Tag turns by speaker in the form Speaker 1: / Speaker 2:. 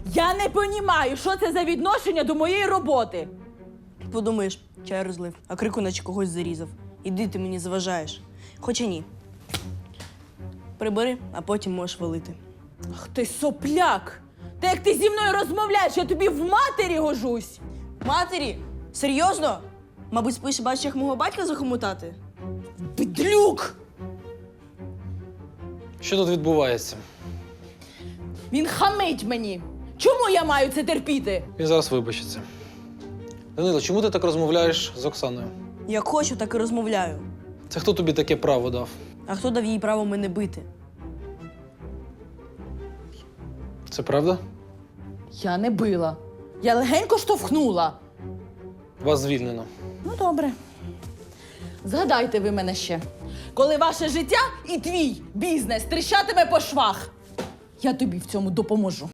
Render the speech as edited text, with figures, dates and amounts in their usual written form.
Speaker 1: Я не понімаю, що це за відношення до моєї роботи.
Speaker 2: Подумаєш, чай розлив, а крику наче когось зарізав. Іди, ти мені заважаєш. Хоча ні. Прибери, а потім можеш валити.
Speaker 1: Ах ти сопляк! Та як ти зі мною розмовляєш, я тобі в матері гожусь!
Speaker 2: Матері? Серйозно? Мабуть, спиш і бачиш, як мого батька захомутати?
Speaker 1: Підлюк!
Speaker 3: Що тут відбувається?
Speaker 1: Він хамить мені! Чому я маю це терпіти?
Speaker 3: Він зараз вибачиться. Данило, чому ти так розмовляєш з Оксаною?
Speaker 2: Як хочу, так і розмовляю.
Speaker 3: Це хто тобі таке право дав?
Speaker 2: А хто дав їй право мене бити?
Speaker 3: Це правда?
Speaker 1: Я не била. Я легенько штовхнула.
Speaker 3: Вас звільнено.
Speaker 1: Ну, добре. Згадайте ви мене ще, коли ваше життя і твій бізнес тріщатиме по швах. Я тобі в цьому допоможу.